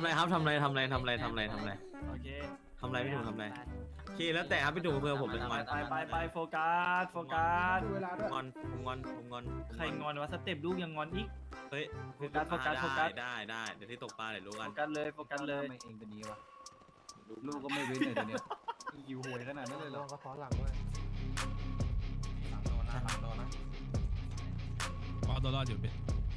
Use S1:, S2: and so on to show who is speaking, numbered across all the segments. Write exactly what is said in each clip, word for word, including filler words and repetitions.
S1: อะไรครับทำอะไรทำอะไรทำอะไรทำอะไรทำอะไร
S2: โอเค
S1: ทำอะไรพี่ถุงทำอะไรโอเคแล้วแต่ครับพี่ถุงเพื่อผมเป็นงอน
S2: ไปไปไปโฟกัสโฟกัส
S3: ดูเวลา
S1: ผ
S3: ด้วย
S1: มงอนผมงอนผมงอนผม
S2: ใครงอนวะสเต็ปลูกยังงอนอีก
S1: เฮ้ย
S2: โฟกัสโฟกัสโฟกัส
S1: ได้ได้เดี๋ยวที่ตกปลาเดี๋ยวรู้
S2: โฟ
S1: กัน
S2: กัสเลยโฟกัสเลย
S4: ทำไมเองเป็นนี้วะลูกก็ไม่เว้นเลยตัวเนี้ยหิวโหยขนาดนั้นเลยเหรอ
S3: ก็ซ้อนหลังด้วย
S4: หลังโดนนะหลังโดนนะ
S5: เอาตัวรอดอยู่พี่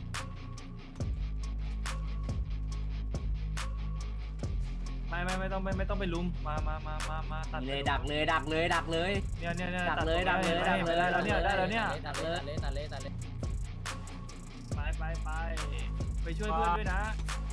S2: ไม่ไม่ไม่ต้องไม่ไม่ต้องไปลุมมามามามามาตัด
S6: เลยดักเลยดักเลยดักเลย
S2: เนี่ยเนี่ยเนี่ย
S6: ดักเลยดักเลยดักเลย
S2: ได้แล้วเนี่ยได้แล้วเนี่ย
S6: ดักเลยตัดเลยตัดเลย
S2: ไปไปไปไปช่วยเพื่อนด้วยนะ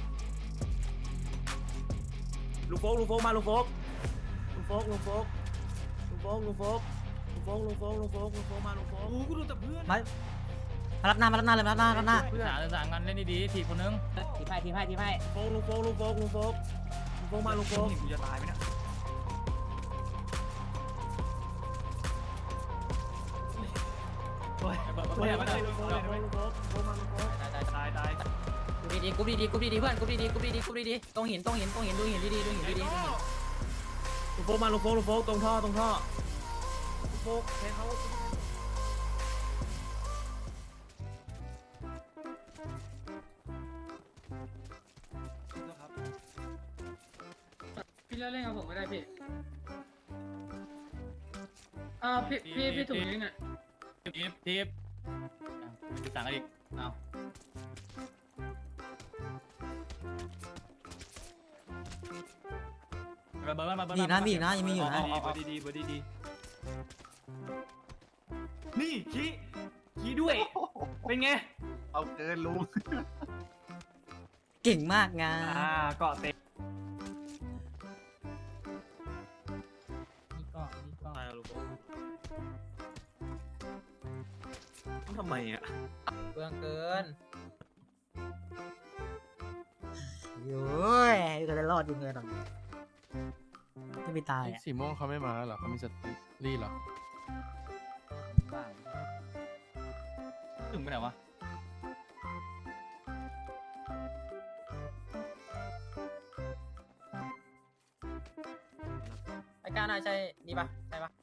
S1: ลูกโฟกลูกโฟกมาลูกโฟกลูกโฟกลูกโฟกลูกโฟกลูกโฟกลูกโฟกลูกโฟกลูกโฟกลูกโฟกมาลูกโฟก
S2: โอ้กูดูแต่เพื่อน
S6: มารับหน้ามารับหน้าเลยมารับหน้ารับหน้า
S7: สามสามงานเล่นดีๆทีคนนึง
S6: ทีไพ่ทีไพ่ทีไพ่
S1: ลูกโฟกลูกโฟกลูกโฟกลูกโฟกลูกโฟกมาลูกโฟก
S2: กูจะตายไหมเนี่ยโอ้ยโอ้ยไม่ได้ลูกโฟกลูกโฟกลูกโฟกมาลูกโฟกตายตาย
S6: กูดีดีกูดีดีกูดีดีเพื่อนกูดีดีกูดีดีกูดีดีตรงหินตรงหินตรงหินดูหินดีดีดูหินดีดี
S1: ลูกโฟกมาลูกโฟกลูกโฟกตรงท่อตรงท่อลูกโฟกให้เขา
S8: พี่เล่นเล่นกับผมไม่ได้พี่อ่าพี่พี่พี่ถุงนี้เนี่ย
S7: ทีฟทีฟสั่งกันอีกเอาเบอร์เบอร์มาเบอร์
S6: มีนะมีนะยังมีอยู่นะ
S2: ดีบดีดีบดีดีนี่ขี้ขี้ด้วยเป็นไง
S4: เอาเกินลุง
S6: เก่งมากงา
S2: อ่าเกาะเตะ
S8: นี่ก็นี่ก็
S1: ตายลูกโฟกทำไมอ่ะ
S6: เบื่อเกินโย้ยจะได้รอดจริงเลยตอนนี้จะไม่ตายอ่ะ
S5: สีม่วงเขาไม่มาเหรอเขามีสติรี่เหรอ
S7: ถึงไปไหนวะ
S6: ไอ้ก้าน่าใช่นี่ปะใช่ปะ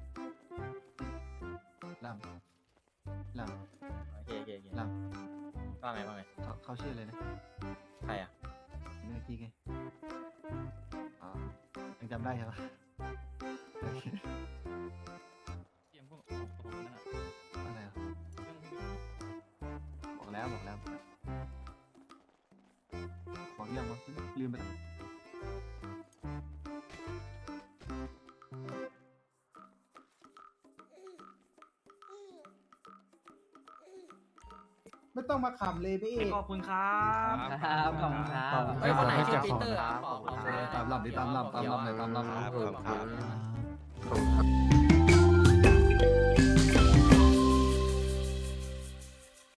S4: ลำล
S6: โอเคโอเคโอเค
S4: ำล
S6: ว่าไงว่าไง
S4: ำเขาเขาชื่ออะไรนะ
S6: ใครอ่ะ
S4: เมื่อกี้ไงอ๋อยังจำได้ใช่ปะโอเค
S7: เตรียมพวกของนั่นอ่ะ
S4: อะไรอ่ะบอกแล้วบอกแล้วบอกยังวะลืมไปแล้ว
S3: ไม่ต้องมาขำเลยพี่เอก
S2: ขอบคุณครับ
S6: ครับขอบคุณครับเฮ้ยคนไหนชื่อปีเตอร์อ่ะขอบคุณ
S4: ตามลำดิตามลำตามลำเลยตามลำ
S6: ครับ